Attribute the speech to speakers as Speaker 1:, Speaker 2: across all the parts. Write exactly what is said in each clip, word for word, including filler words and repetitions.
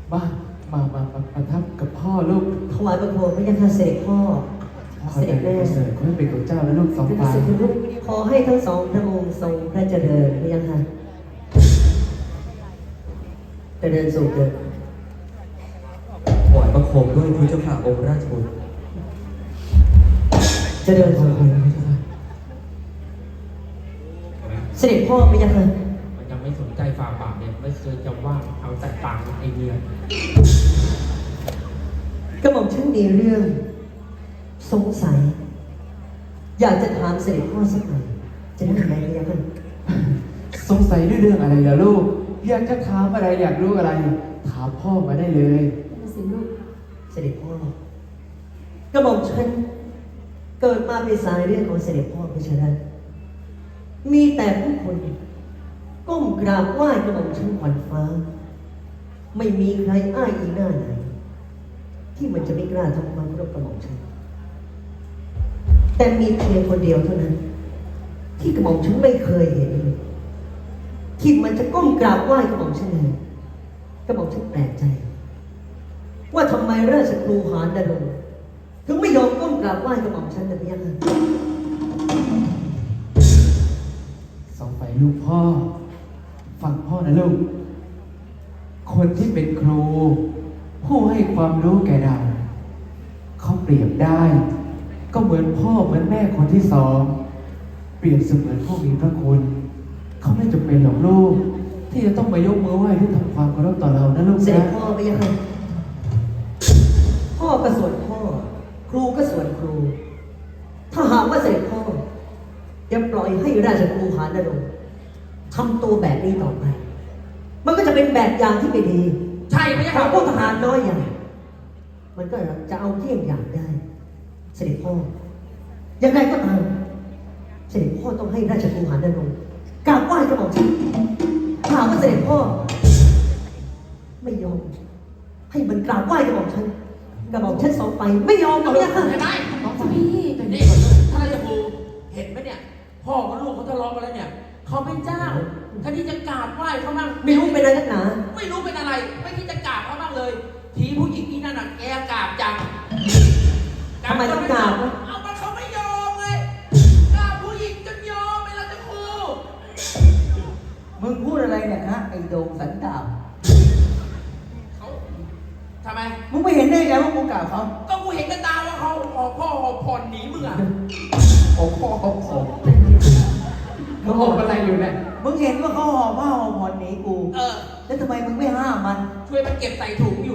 Speaker 1: มามามามาประทับกับพ่อลูก
Speaker 2: ถวายบังคมพระยาค่ะเสด็จพ่อเสด็จแม่
Speaker 1: เสด็จคุณเป็นของเจ้าและลูกสองฝ่าย
Speaker 2: ขอให้ทั้งสองพระองค์ทรงพระเจริญพระยาค่ะเจริญสุขเถิด
Speaker 3: ถวายบังคมด้วยพระเจ้าค่ะองค์ราชบุตร
Speaker 2: เจริญสุขพระยาค่ะเสด็จพ่อพระยาค่ะ
Speaker 4: มันยังไม่สนใจฝ่าบาทเนี่ยไม่เคยจะว่าเอาแต่ตังค์ไอเดีย
Speaker 2: กระหม่อมฉันมีเรื่องสงสัยอยากจะถามเสด็จพ่อสักหน่อยจะได้ไหมพระยาค่ะ
Speaker 1: สงสัยเรื่องอะไรล่ะลูกอยากจะถามอะไรอยากรู้อะไรถามพ่อมาได้เลย
Speaker 2: สิลูกเสด็จพ่อกระหม่อมฉันเกิดมาเป็นสายเลือดของเสด็จพ่อเพราะฉะนั้นมีแต่ผู้คนก้มกราบไหว้กระหม่อมฉันขวัญฟ้าไม่มีใครอ้ายอีหน้าไหนที่มันจะไม่กล้าทำความเคารพกระหม่อมฉันแต่มีเพียงคนเดียวเท่านั้นที่กระหม่อมฉันไม่เคยเห็นเลยที่มันจะก้มกราบไหว้กระหม่อมฉันเลยกระหม่อมฉันแปลกใจว่าทำไมราชครูหานดารงถึงไม่ยอมก้มกราบไหว้กระหม่อมฉันนะพี่ยัง
Speaker 1: สองฝ่ายลูกพ่อฟังพ่อนะลูกคนที่เป็นครูผู้ให้ความรู้แก่เราเขาเปรียบได้ก็เหมือนพ่อเหมือนแม่คนที่สองเปรียบเสมือนผู้มีพระคุณเขาไม่จำเป็นหรอกลูกที่จะต้องมายกมือไหว้หรือทำความเคารพต่อเรานะลูกนะ
Speaker 2: เสด็จพ่อไปยังไงพ่อก็ส่วนพ่อครูก็ส่วนครูถ้าหากว่าเสด็จพ่อยังปล่อยให้ราชครูหานดงทำตัวแบบนี้ต่อไปมันก็จะเป็นแบบอย่างที่ไม่ดี
Speaker 4: ใช่ไหม
Speaker 2: ครับพวกทหารน้อยใหญ่มันก็จะเอาเยี่ยงอย่างได้เสด็จพ่อยังไงก็ตามเสด็จพ่อต้องให้ราชครูหานดงกราบไหว้กระหม่อมฉันถามว่าเสด็จพ่อไม่ยอมให้มันกราบไหว้กระหม่อมฉันกระหม่อมฉันสองไปไม่ยอมหรอกเนี่ยค่ะ
Speaker 4: เห็นไหมน้องพี่แต่นี่ถ้าราชครูเห็นไหมเนี่ยพ่อกับลูกเขาทะเลาะกันแล้วเนี่ยเขาเป็นเจ้าท่านที่จะกราบไหว้เขาบ้าง
Speaker 2: ไม่รู้เป็นอะไรนักหนา
Speaker 4: ไม่รู้เป็นอะไรไม่คิดจะกราบเขาบ้างเลยทีผู้หญิงนี่นั่นน่ะแกกราบจัง
Speaker 2: ทำไมต้องกราบ
Speaker 4: เอามันเขาไม่ยอมเลยกราบผู้หญิงจนยอมไปแล้วจะครู
Speaker 3: มึงพูดอะไรเนี่ยฮะไอ้โดงสันดาบ
Speaker 4: เขาทำไม
Speaker 3: มึงไม่เห็นได้ไงว่ากูกราบเขา
Speaker 4: ก็กูเห็นกันตาว่าเขาหอบพ่อหอบผ่อนหนีมึงอ่ะ
Speaker 3: หอบพ่อหอบผ่อน
Speaker 1: เขาหอบอะไรอยู่เนี่ย
Speaker 3: มึงเห็นว่าเขาหอบผ้าหอบผ่อนหนีกู
Speaker 4: เออ
Speaker 3: แล้วทำไมมึงไม่ห้ามมัน
Speaker 4: ช่วยมันเก็บใส่ถุงอยู่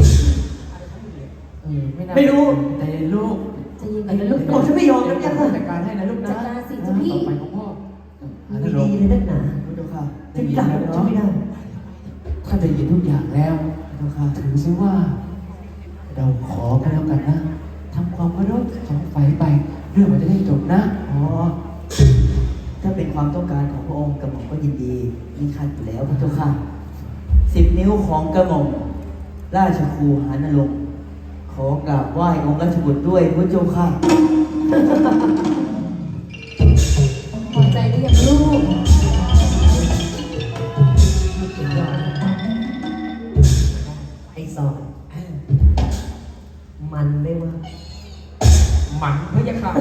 Speaker 1: เออไม่
Speaker 2: ไม่รู้
Speaker 1: แต่ลูก
Speaker 2: จะยิงกันลูกบอกฉันไม่ยอมนะยัง
Speaker 1: จัดการให้นะลูกนะ
Speaker 2: จัดการสิจ้าพี่
Speaker 1: ต่อไปของพ่อ
Speaker 2: ดีเลยนักหนา
Speaker 3: คุณเจ้าค่ะ
Speaker 2: จะกลับจะไม่ได้
Speaker 1: ถ้าได้ยินทุกอย่างแล้วถือซิว่าเราขอกันแล้วกันนะทำความเคารพสองฝ่ายไปเรื่องมันจะได้จบนะ
Speaker 3: อ๋อถ้าเป็นความต้องการของพระองค์กระหม่อมก็ยินดีมีคันอยู่แล้วพระเจ้าค่ะสิบนิ้วของกระหม่อมราชครูหานรงค์ขอกราบไหว้องค์ราชบุตรด้วยพระเจ้าค่ะ
Speaker 2: พอใจหรือยังลูกไอ้สอนมันไม่ว่า
Speaker 4: มันพระยาค่ะ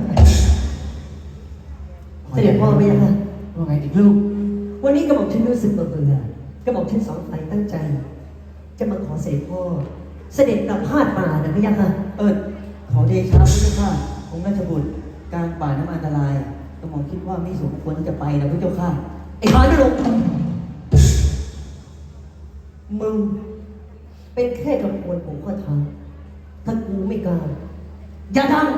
Speaker 2: เสด็จพ่อไม่ค่ะ
Speaker 1: ว่าไงอีกลูก
Speaker 2: วันนี้กระหม่อมฉันรู้สึกเบื่อเบื่อกระหม่อมฉันสองฝ่ายตั้งใจจะมาขอเสด็จพ่อเสด็จประพาสป่านะพระยาค่ะ
Speaker 3: เออขอเดชะพระเจ้าค่ะองค์ราชบุตรกลางป่าน้ำอันตรายกระหม่อมคิดว่าไม่สมควรที่จะไปนะพระเจ้าค่ะ
Speaker 2: ไอ้ขานรงค์มึงเป็นแค่กระบวนผมข้อเท้าถ้ากูไม่กล้าอย่าดัง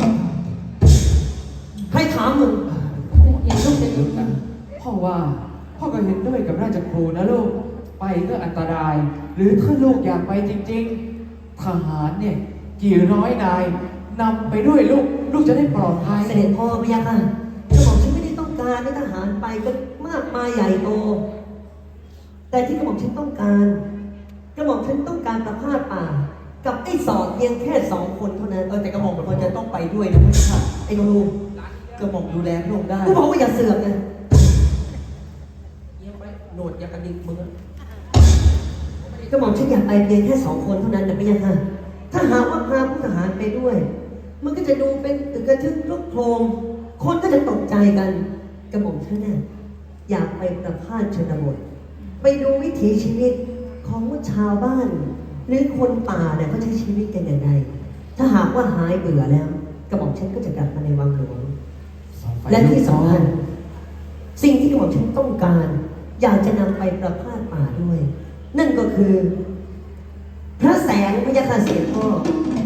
Speaker 2: ใครถามมึง
Speaker 1: อย่าลูกจะหยุดนะพ่อว่าพ่อก็เห็นด้วยกับราชครูนะลูกไปก็อันตรายหรือถ้าลูกอยากไปจริงๆทหารเนี่ยกี่ร้อยนายนำไปด้วยลูกลูกจะได้ปลอดภัย
Speaker 2: เสด็จพ่อพระยาค่ะกระหม่อมฉันไม่ได้ต้องการให้ทหารไปก็มากมายใหญ่โตแต่ที่กระหม่อมฉันต้องการกระหม่อมฉันต้องการประพาสป่ากับไอ้สอนเพียงแค่สองคนเท่านั้น
Speaker 3: เออแต่กระหม่อมควรจะต้องไปด้วยนะพระเจ้าค่ะ
Speaker 2: ไอ้ลูก
Speaker 3: กระหม่อมดูแลพระองค์ได้
Speaker 2: กูบอกว่าอย่าเสือกนะ
Speaker 4: เยี่ยมไปโหนดยากระดิกมึง
Speaker 2: กระหม่อมฉันอยากไปเพียงแค่สองคนเท่านั้นนะพี่ยังค่ะถ้าหากว่าพาผู้ทหารไปด้วย มันก็จะดูเป็นตึกกระทึกลุกโครมคนก็จะตกใจกันกระหม่อมฉันเนี่ยอยากไปประพาสชนบท ไปดูวิถีชีวิตของชาวบ้าน หรือคนป่าเนี่ยเขาใช้ชีวิตกันอย่างไรถ้าหากว่าหายเบื่อแล้วกระหม่อมฉันก็จะกลับมาในวังหลวง
Speaker 1: สองฝ่าย
Speaker 2: และที่สำคัญ
Speaker 1: ลูกพ่อ
Speaker 2: สิ่งที่กระหม่อมฉันต้องการ อยากจะนำไปประพาสป่าด้วย นั่นก็คือ พระแสงพระยาคาเสียพ่อ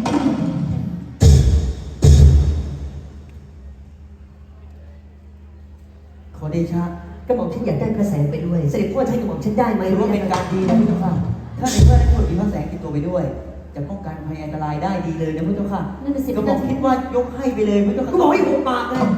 Speaker 3: ขอเดชะ
Speaker 2: กระหม่อมฉันอยากได้พระแสงไปด้วย เสด็จพ่อใช้กระหม่อมฉันได้ไหม
Speaker 3: ถือว่าเป็นการดีนะพุทธค่ะถ้าในเมื่อได้คนมีพระแสงติดตัวไปด้วย จะป้องกันภัยอันตรายได้ดีเลยนะพุทธค่ะ
Speaker 5: นั่นน่ะสิ
Speaker 3: ก็บอกคิดว่ายกให้ไปเลยพุทธค่ะ
Speaker 2: ก็บอกให้หุบปากเลย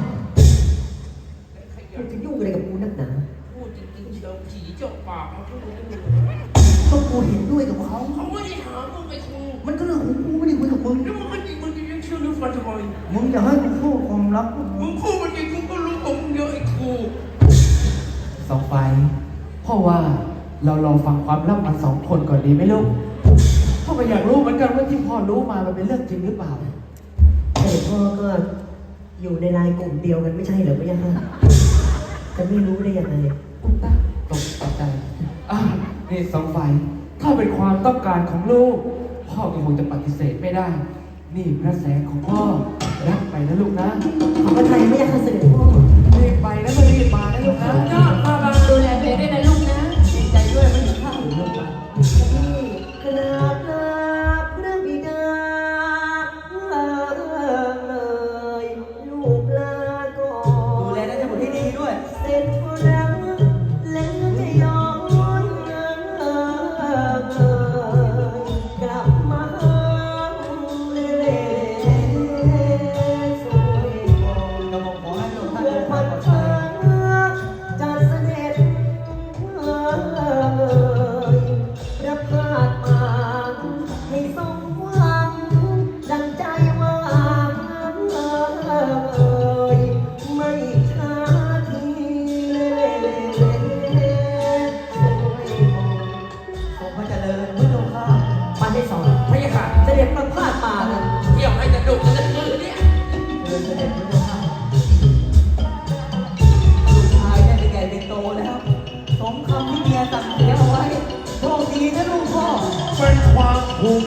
Speaker 2: คุณจะยุ่งอะไรกับกูนักหนา
Speaker 4: พูดจริงๆเชียวผีเจาะปากมาพูดเลย
Speaker 3: ก็กูเห็นด้วยกับเขา
Speaker 4: เขาไม่ได้ถามมึงไอ้ครู
Speaker 3: มันก็เรื่องของกูไม่ได้คุยกับมึง
Speaker 4: แล้วมึงก็ยิงมึงจะยังเชื่อเรื่องฟันทำไม
Speaker 3: มึงอย่าให้กูพูดความลับ
Speaker 4: มึงพูดมันจริงกูก็รู้ของมึงเยอะไอ้ครู
Speaker 1: สองฝ่ายพ่อว่าเรารอฟังความลับมันสองคนก่อนดีไหมลูกพ่อก็อยากรู้เหมือนกันว่าที่พ่อรู้มามันเป็นเรื่องจริงหรือเปล่า
Speaker 2: เสด็จพ่อก็อยู่ในไลน์กลุ่มเดียวกันไม่ใช่เหรอพี่ยังค่ะจะไม่รู้ได้ยังไง
Speaker 1: อุ๊ยตายตกใจอ่ะนี่สองฝ่ายถ้าเป็นความต้องการของลูก พ่อก็คงจะปฏิเสธไม่ได้ นี่พระแสงของพ่อรับไปนะลูกนะ
Speaker 2: ขอพระไทยไม่อยากเสด็จพ่อ
Speaker 1: รีบไปนะไม่รีบมานะลูกนะ
Speaker 4: ยอดมาบ้าง
Speaker 5: ดูแลตัวเองด้วยนะลูกนะ
Speaker 3: ดีใจด้วยไม่ถึงข้าวลูกนะ
Speaker 2: กราบลาพระบิดาเอ่ยลูกลาก่อน
Speaker 3: ดูแลได้ทั้งหมดที่ดีด้วย
Speaker 2: เสร็จธุระแล้วจะย้อนเอ่ยกลับมาเล่ๆสวยมอง
Speaker 3: กระหม่อมขอให้พระองค์ท่าน
Speaker 2: เพื่อ
Speaker 3: เดิน
Speaker 2: พั
Speaker 3: ทาง
Speaker 2: น
Speaker 3: ปลอดภั
Speaker 2: ฟ้าย จะเสด็จเอ่ยประพาสมาให้สมหวังดังใจหวางเอ่ยไม่ช้าทีเล่ๆสวยมอง
Speaker 3: ทรงพระเจริญพุทธองค์ข้า
Speaker 2: ปันให้สอน
Speaker 4: พะยะค่ะ
Speaker 2: เสด็จประพาสมากัน
Speaker 4: เที่ยวให้จะดุกันจะคืนเนี่ย
Speaker 3: เดินเสด็จพุทธองค์ข้าลูกชายได้เป็นใหญ่เป็นโตแล้ว สมคำที่เมียสั่งเสียเอาไว้โชคดีนะลูกพ่อ
Speaker 4: เป็นความภูมิ